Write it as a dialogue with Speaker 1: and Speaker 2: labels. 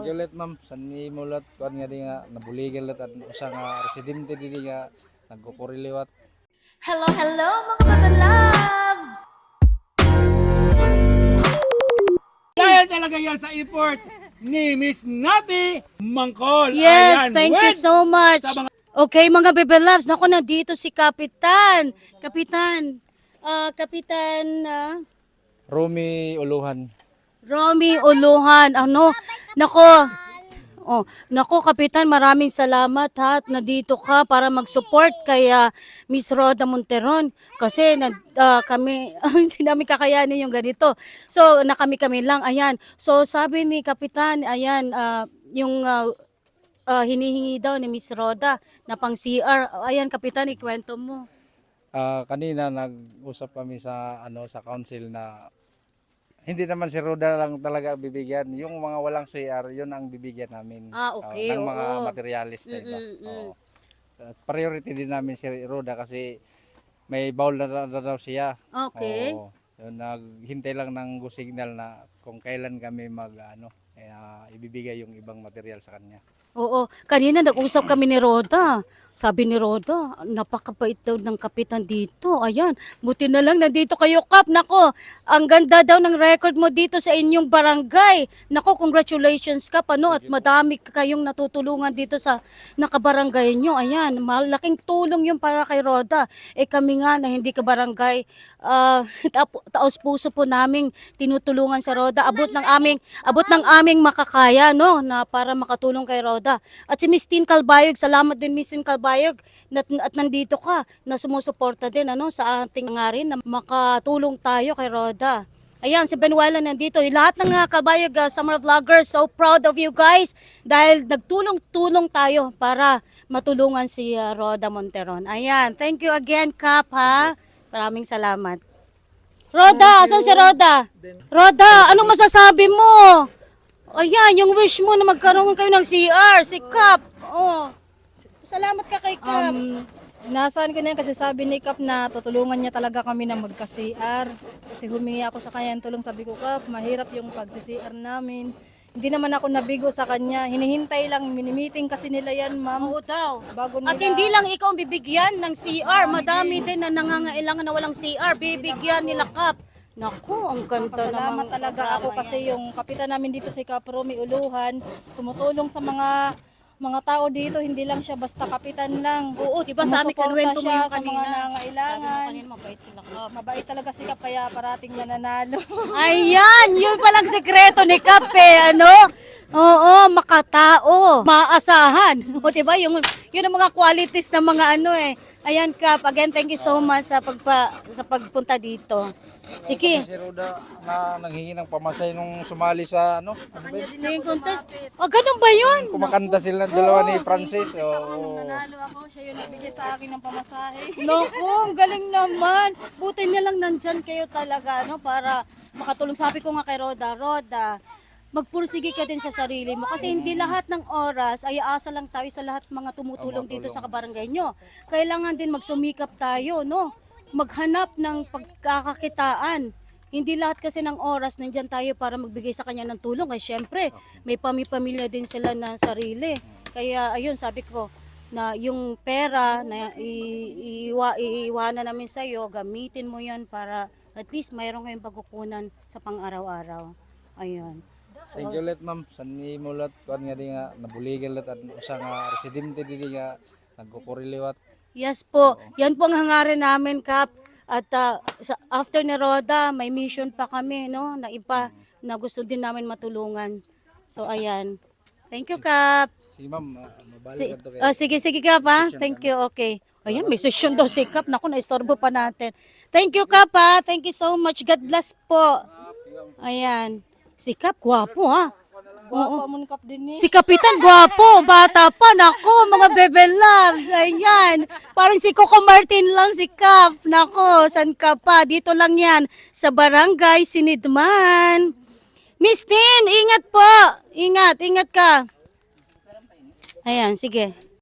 Speaker 1: Thank you ulit ma'am. Sanni mulat kuan nga di nga nabuligan lat at usa nga residente di nga nagkukuriliwat.
Speaker 2: Hello, hello mga Bebe Loves!
Speaker 3: Dahil talaga yan sa effort ni Miss Nati Mangkol.
Speaker 2: Yes,
Speaker 3: Ayan,
Speaker 2: thank you
Speaker 3: with
Speaker 2: so much.
Speaker 3: sa mga-
Speaker 2: Okay mga Bebe Loves, naku nandito si Kapitan. Kapitan
Speaker 1: Romy Uluhan.
Speaker 2: Romy Uluhan. Nako Kapitan, maraming salamat ha at nandito ka para mag-support kay Miss Roda Monteron kasi kami hindi namin kakayanin yung ganito. So kami lang ayan. So sabi ni Kapitan ayan yung hinihingi daw ni Miss Roda na pang CR. Ayan Kapitan, ikwento mo.
Speaker 1: Kanina nag-usap kami sa sa council na hindi naman si Roda lang talaga bibigyan. Yung mga walang CR, yun ang bibigyan namin.
Speaker 2: Okay.
Speaker 1: Ng mga
Speaker 2: Oo.
Speaker 1: materialist na iba. Oo. At priority din namin si Roda kasi may bawl na daw siya.
Speaker 2: Okay.
Speaker 1: Oo. Yun, naghintay lang ng go signal na kung kailan kami ibibigay yung ibang material sa kanya.
Speaker 2: Oo, kanina nag-usap kami ni Roda. Sabi ni Roda, napakabait daw ng kapitan dito. Ayan, buti na lang nandito kayo, Kap. Nako, ang ganda daw ng record mo dito sa inyong barangay. Nako, congratulations, Kap. At madami kayong natutulungan dito sa nakabarangay nyo. Ayan, malaking tulong yung para kay Roda. Kami nga na hindi ka barangay, taos puso po naming tinutulungan sa Roda. Abot ng aming makakaya, no, na para makatulong kay Roda. At si Miss Tin Calbayog, salamat din Miss Tin Calbayog at nandito ka na sumusuporta din sa ating nga rin na makatulong tayo kay Roda. Ayan, si Benuela nandito. Lahat ng Calbayog Summer Vloggers, so proud of you guys dahil nagtulong-tulong tayo para matulungan si Roda Monteron. Ayan, thank you again, Kap, ha? Maraming salamat. Roda, asan si Roda? Roda, anong masasabi mo? Ayan, yung wish mo na magkaroon kayo ng CR, si Kap. Oh. Salamat ka kay Kap.
Speaker 4: Nasaan ko na yan kasi sabi ni Kap na tutulungan niya talaga kami na magka-CR. Kasi humingi ako sa kanya ng tulong. Sabi ko, Kap, mahirap yung pag-CR namin. Hindi naman ako nabigo sa kanya. Hinihintay lang, minimiting kasi nila yan, ma'am.
Speaker 2: Oo daw.
Speaker 4: Bago nila...
Speaker 2: At hindi lang ikaw ang bibigyan ng CR. Madami din na nangangailangan na walang CR. Bibigyan nila Kap. Naku, ang ganda
Speaker 4: Salamat
Speaker 2: naman.
Speaker 4: talaga ako kasi yung kapitan namin dito si Kap Romy Uluhan, tumutulong sa mga tao dito, hindi lang siya basta kapitan lang.
Speaker 2: Oo, diba sa amin
Speaker 4: Sumusuporta
Speaker 2: kanuwento mo
Speaker 4: siya
Speaker 2: yung
Speaker 4: sa
Speaker 2: kanina.
Speaker 4: mga nangangailangan.
Speaker 2: Kanina mabait sila Kap.
Speaker 4: Mabait talaga si Kap kaya parating nananalo.
Speaker 2: Ayan, yun palang sekreto ni Kap Oo, makatao, maasahan. O diba, yun ang mga qualities ng mga Ayan Kap, again thank you so much sa pagpunta dito. Sige.
Speaker 1: Si Roda na nanghingi ng pamasay nung sumali sa
Speaker 2: Singing contest. Oh, ganun ba yun?
Speaker 1: kumakanta sila dalawa ni Francis. Oo.
Speaker 4: Nanalo ako, siya yung nagbigay sa akin ng pamasahe.
Speaker 2: Naku, ang galing naman. Buti na lang nandyan kayo talaga, para makatulong. Sabi ko nga kay Roda, magpursige ka din sa sarili mo kasi hindi lahat ng oras ay aasa lang tayo sa lahat mga tumutulong dito sa kabarangay nyo. Kailangan din magsumikap tayo, maghanap ng pagkakakitaan. Hindi lahat kasi ng oras nandyan tayo para magbigay sa kanya ng tulong. Kasi syempre, may pamilya din sila na sarili. Kaya ayun, sabi ko na yung pera na iiwanan namin sa iyo, gamitin mo yan para at least mayroon kayong pagkukunan sa pang-araw-araw. Ayun.
Speaker 1: Thank you ulit ma'am. Sanni mulat kuan nga di nga nabuligan lat at usa nga residente di nga nagkukuriliwat.
Speaker 2: Yes po, yan po ang hangarin namin, Kap. At after ni Roda, may mission pa kami, na iba na gusto din namin matulungan. So, ayan. Thank you, Kap.
Speaker 1: Sige ma'am, mabalik ka to kay.
Speaker 2: Sige, Kap, ha? Thank you, okay. Ayan, may session daw si Kap. Naku, naistorbo pa natin. Thank you, Kap, ha? Thank you so much. God bless po. Ayan. Si Kap, gwapo, ha?
Speaker 4: Guwapo mo ni Kap din eh.
Speaker 2: Si Kapitan, gwapo, bata pa, nako, mga Bebe Loves, ayan. Parang si Coco Martin lang si Kap, nako, san ka pa? Dito lang yan, sa Barangay Sinidman. Miss Tin, ingat po, ingat ka. Ayan, sige.